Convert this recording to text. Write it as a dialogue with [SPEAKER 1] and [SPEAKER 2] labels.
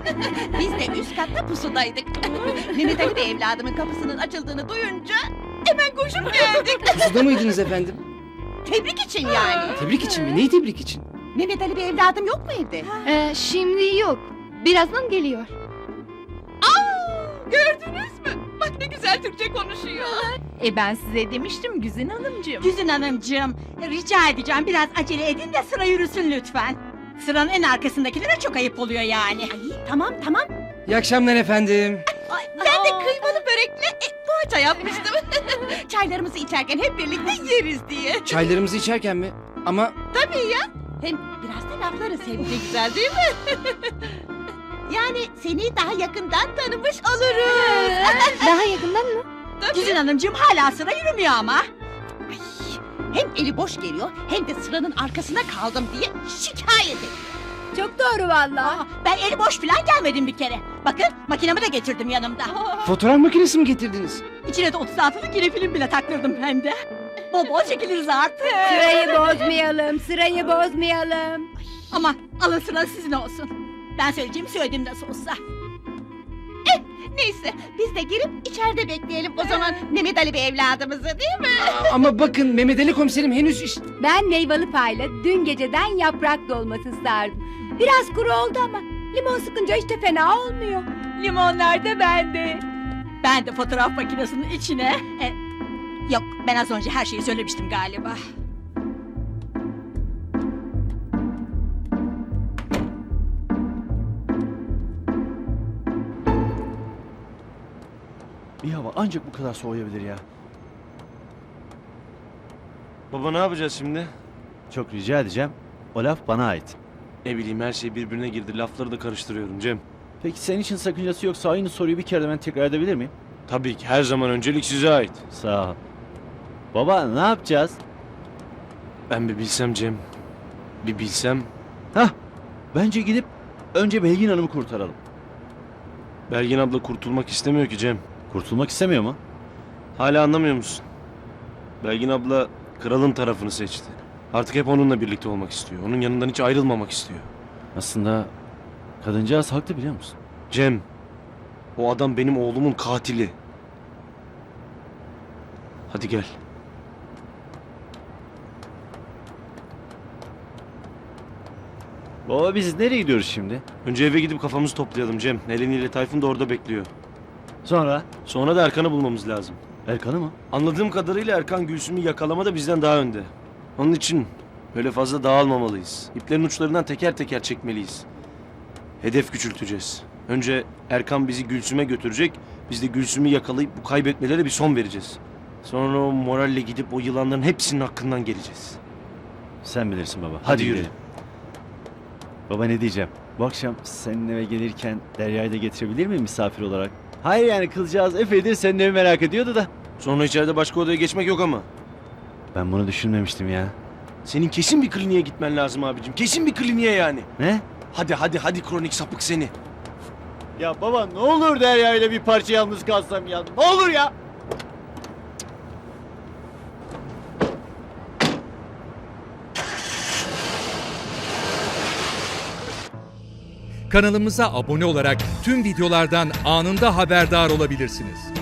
[SPEAKER 1] Biz de üst katta pusudaydık. Mehmet Ali Bey evladımın kapısının açıldığını duyunca hemen koşup geldik.
[SPEAKER 2] Pusuda mıydınız efendim?
[SPEAKER 1] Tebrik için yani.
[SPEAKER 2] Tebrik için mi? Neyi tebrik için?
[SPEAKER 1] Mehmet Ali Bey evladım yok mu evde?
[SPEAKER 3] Şimdi yok. Birazdan geliyor.
[SPEAKER 1] Gördünüz mü? Bak ne güzel Türkçe konuşuyor.
[SPEAKER 4] Ben size demiştim Güzin Hanımcığım.
[SPEAKER 5] Güzin Hanımcığım, rica edeceğim biraz acele edin de sıra yürüsün lütfen. Sıranın en arkasındakilere çok ayıp oluyor yani.
[SPEAKER 1] Tamam.
[SPEAKER 2] İyi akşamlar efendim.
[SPEAKER 1] Ben de kıymalı börekle poğaça yapmıştım. Çaylarımızı içerken hep birlikte yeriz diye.
[SPEAKER 2] Çaylarımızı içerken mi? Ama
[SPEAKER 1] Tabii ya. Hem biraz da laflarız hem de güzel değil mi? Yani seni daha yakından tanımış oluruz.
[SPEAKER 3] Daha yakından mı?
[SPEAKER 5] Güzin Hanımcığım hala sıra yürümüyor ama.
[SPEAKER 1] Ay, hem eli boş geliyor hem de sıranın arkasına kaldım diye şikayet ediyor.
[SPEAKER 5] Çok doğru vallahi. Ben eli boş falan gelmedim bir kere. Bakın makinemi de getirdim yanımda.
[SPEAKER 2] fotoğraf makinesi mi getirdiniz?
[SPEAKER 5] İçine de 36'lık yine film bile taktırdım hem de. Bol bol çekiliriz artık.
[SPEAKER 3] Sırayı bozmayalım.
[SPEAKER 5] Ama alın sıra sizin olsun. Ben söyleyeceğimi söyledim nasıl olsa.
[SPEAKER 1] Neyse biz de girip içeride bekleyelim o zaman Mehmet Ali Bey evladımızı değil mi?
[SPEAKER 2] Ama bakın Mehmet Ali komiserim henüz
[SPEAKER 6] Ben meyveli payla dün geceden yaprak dolması sardım. Biraz kuru oldu ama limon sıkınca hiç de fena olmuyor.
[SPEAKER 5] Limonlar da bende. Ben de fotoğraf makinesinin içine... yok ben az önce her şeyi söylemiştim galiba.
[SPEAKER 7] Bir hava ancak bu kadar soğuyabilir ya.
[SPEAKER 8] Baba ne yapacağız şimdi?
[SPEAKER 7] Çok rica edeceğim. O laf bana ait.
[SPEAKER 8] Ne bileyim her şey birbirine girdi. Lafları da karıştırıyorum Cem.
[SPEAKER 7] Peki senin için sakıncası yoksa aynı soruyu bir kere de ben tekrar edebilir miyim?
[SPEAKER 8] Tabii ki her zaman öncelik size ait.
[SPEAKER 7] Sağ ol. Baba ne yapacağız?
[SPEAKER 8] Ben bir bilsem Cem. Bir bilsem.
[SPEAKER 7] Bence gidip önce Belgin Hanım'ı kurtaralım.
[SPEAKER 8] Belgin abla kurtulmak istemiyor ki Cem.
[SPEAKER 7] Kurtulmak istemiyor mu?
[SPEAKER 8] Hala anlamıyor musun? Belgin abla kralın tarafını seçti. Artık hep onunla birlikte olmak istiyor. Onun yanından hiç ayrılmamak istiyor.
[SPEAKER 7] Aslında kadıncağız haklı biliyor musun?
[SPEAKER 8] Cem, o adam benim oğlumun katili. Hadi gel.
[SPEAKER 7] Baba biz nereye gidiyoruz şimdi?
[SPEAKER 8] Önce eve gidip kafamızı toplayalım Cem. Eleni ile Tayfun da orada bekliyor.
[SPEAKER 7] Sonra?
[SPEAKER 8] Sonra da Erkan'ı bulmamız lazım.
[SPEAKER 7] Erkan'ı mı?
[SPEAKER 8] Anladığım kadarıyla Erkan Gülsüm'ü yakalamada bizden daha önde. Onun için böyle fazla dağılmamalıyız. İplerin uçlarından teker teker çekmeliyiz. Hedef küçülteceğiz. Önce Erkan bizi Gülsüm'e götürecek. Biz de Gülsüm'ü yakalayıp bu kaybetmelere bir son vereceğiz. Sonra o moralle gidip o yılanların hepsinin hakkından geleceğiz.
[SPEAKER 7] Sen bilirsin baba.
[SPEAKER 8] Hadi yürü.
[SPEAKER 7] gidelim. Baba ne diyeceğim? Bu akşam senin eve gelirken Derya'yı da getirebilir miyim misafir olarak? Hayır yani kızcağız epeydir senin evi merak ediyordu da.
[SPEAKER 8] Sonra içeride başka odaya geçmek yok ama.
[SPEAKER 7] Ben bunu düşünmemiştim ya.
[SPEAKER 8] Senin kesin bir kliniğe gitmen lazım abicim. Kesin bir kliniğe yani.
[SPEAKER 7] Ne?
[SPEAKER 8] Hadi kronik sapık seni.
[SPEAKER 7] Ya baba ne olur Derya ile bir parça yalnız kalsam ya. Ne olur ya.
[SPEAKER 9] Kanalımıza abone olarak tüm videolardan anında haberdar olabilirsiniz.